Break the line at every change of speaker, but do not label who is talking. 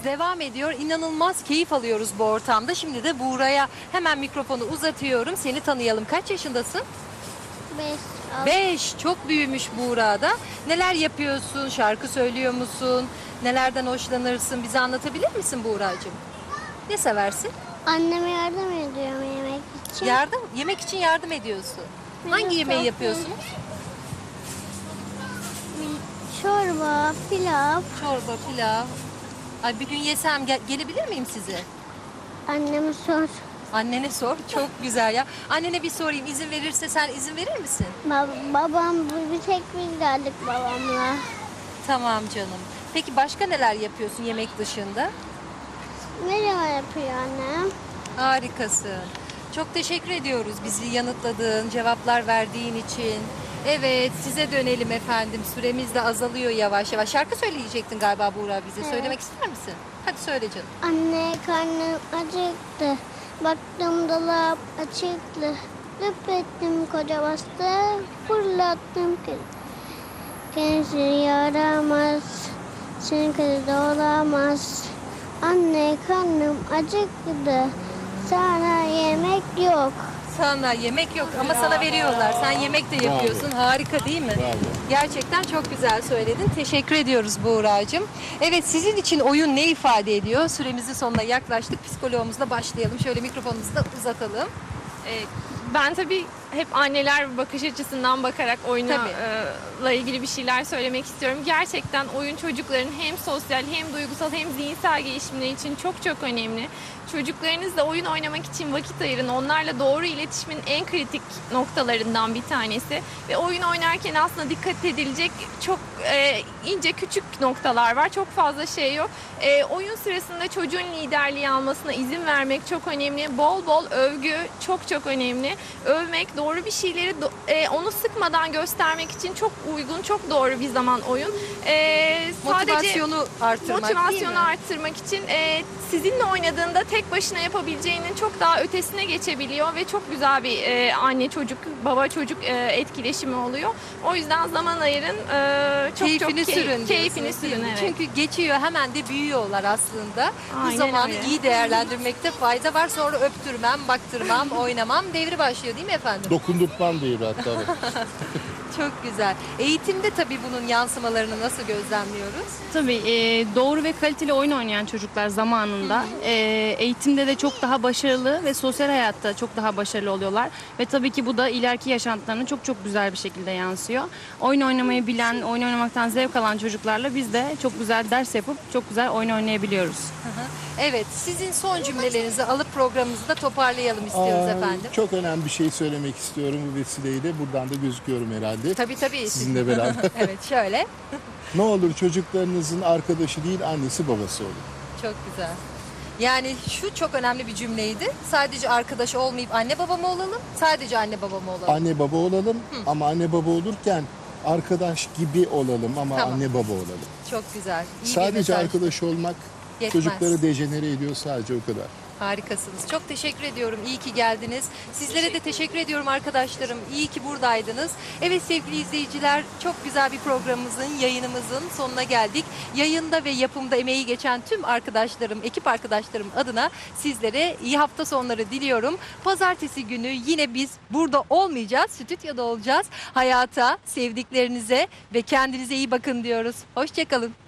devam ediyor. İnanılmaz keyif alıyoruz bu ortamda. Şimdi de Buğra'ya hemen mikrofonu uzatıyorum. Seni tanıyalım. Kaç yaşındasın?
5,
5. Çok büyümüş Buğra'da. Neler yapıyorsun? Şarkı söylüyor musun? Nelerden hoşlanırsın? Bize anlatabilir misin Buğra'cığım? Ne seversin?
Anneme yardım ediyorum yemek için.
Yemek için yardım ediyorsun. Hangi
Evet,
yemeği
çok
yapıyorsunuz?
Çorba, pilav.
Çorba, pilav. Ay bir gün yesem gelebilir miyim size?
Anneme sor.
Annene sor. Çok güzel ya. Annene bir sorayım. İzin verirse sen izin verir misin?
Babam, bir tek biz geldik babamla.
Tamam canım. Peki başka neler yapıyorsun yemek dışında?
Merhaba yapıyor annem.
Harikasın. Çok teşekkür ediyoruz bizi yanıtladığın, cevaplar verdiğin için. Evet, size dönelim efendim. Süremiz de azalıyor yavaş yavaş. Şarkı söyleyecektin galiba Buğra bize.
Evet.
Söylemek ister misin? Hadi söyle canım.
Anne karnım acıktı. Baktım dolap açıktı. Löp ettim koca bastı. Fırlattım kız. Kendisi yaramaz. Senin kızı da olamaz. Anne karnım acıktı. Sana yemek yok.
Sana yemek yok ama sana veriyorlar. Sen yemek de yapıyorsun. Harika değil mi?
Bravo.
Gerçekten çok güzel söyledin. Teşekkür ediyoruz Buğra'cığım. Evet, sizin için oyun ne ifade ediyor? Süremizin sonuna yaklaştık. Psikologumuzla başlayalım. Şöyle mikrofonumuzu da uzatalım.
Ben tabii hep anneler bakış açısından bakarak oyunla ilgili bir şeyler söylemek istiyorum. Gerçekten oyun çocukların hem sosyal hem duygusal hem zihinsel gelişimleri için çok çok önemli. Çocuklarınızla oyun oynamak için vakit ayırın. Onlarla doğru iletişimin en kritik noktalarından bir tanesi. Ve oyun oynarken aslında dikkat edilecek çok ince küçük noktalar var. Çok fazla şey yok. Oyun sırasında çocuğun liderliği almasına izin vermek çok önemli. Bol bol övgü çok çok önemli. Övmek, doğru bir şeyleri onu sıkmadan göstermek için çok uygun, çok doğru bir zaman oyun.
Motivasyonu arttırmak değil mi?
Motivasyonu arttırmak için sizinle oynadığında tek başına yapabileceğinin çok daha ötesine geçebiliyor ve çok güzel bir anne çocuk, baba çocuk etkileşimi oluyor. O yüzden zaman ayırın.
Keyfini sürün.
Keyfini
diyorsunuz, değil
sürün,
mi?
evet.
Çünkü geçiyor, hemen de büyüyorlar aslında. Bu
Aynen
zamanı
öyle.
iyi değerlendirmekte fayda var. Sonra öptürmem, baktırmam, oynamam devri başlıyor değil mi efendim?
Dokundurtmam değil hatta.
Çok güzel. Eğitimde tabii bunun yansımalarını nasıl gözlemliyoruz?
Tabii doğru ve kaliteli oyun oynayan çocuklar zamanında eğitimde de çok daha başarılı ve sosyal hayatta çok daha başarılı oluyorlar. Ve tabii ki bu da ileriki yaşantılarına çok çok güzel bir şekilde yansıyor. Oyun oynamayı bilen, oyun oynamaktan zevk alan çocuklarla biz de çok güzel ders yapıp çok güzel oyun oynayabiliyoruz.
Evet, sizin son cümlelerinizi alıp programımızı da toparlayalım istiyoruz efendim.
Çok önemli bir şey söylemek istiyorum bu vesileyle. Buradan da gözüküyorum herhalde.
Tabii.
Sizinle beraber.
Evet, şöyle.
Ne olur çocuklarınızın arkadaşı değil annesi babası olun.
Çok güzel. Yani şu çok önemli bir cümleydi. Sadece arkadaş olmayıp anne baba mı olalım? Sadece anne baba mı olalım?
Anne baba olalım ama anne baba olurken arkadaş gibi olalım ama
Tamam.
anne baba olalım.
Çok güzel. İyi bir
Sadece
mesaj.
arkadaş olmak
Yetmez.
çocukları dejenere ediyor, sadece o kadar.
Harikasınız. Çok teşekkür ediyorum. İyi ki geldiniz. Sizlere de teşekkür ediyorum arkadaşlarım. İyi ki buradaydınız. Evet sevgili izleyiciler, çok güzel bir programımızın, yayınımızın sonuna geldik. Yayında ve yapımda emeği geçen tüm arkadaşlarım, ekip arkadaşlarım adına sizlere iyi hafta sonları diliyorum. Pazartesi günü yine biz burada olmayacağız, stüdyoda olacağız. Hayata, sevdiklerinize ve kendinize iyi bakın diyoruz. Hoşça kalın.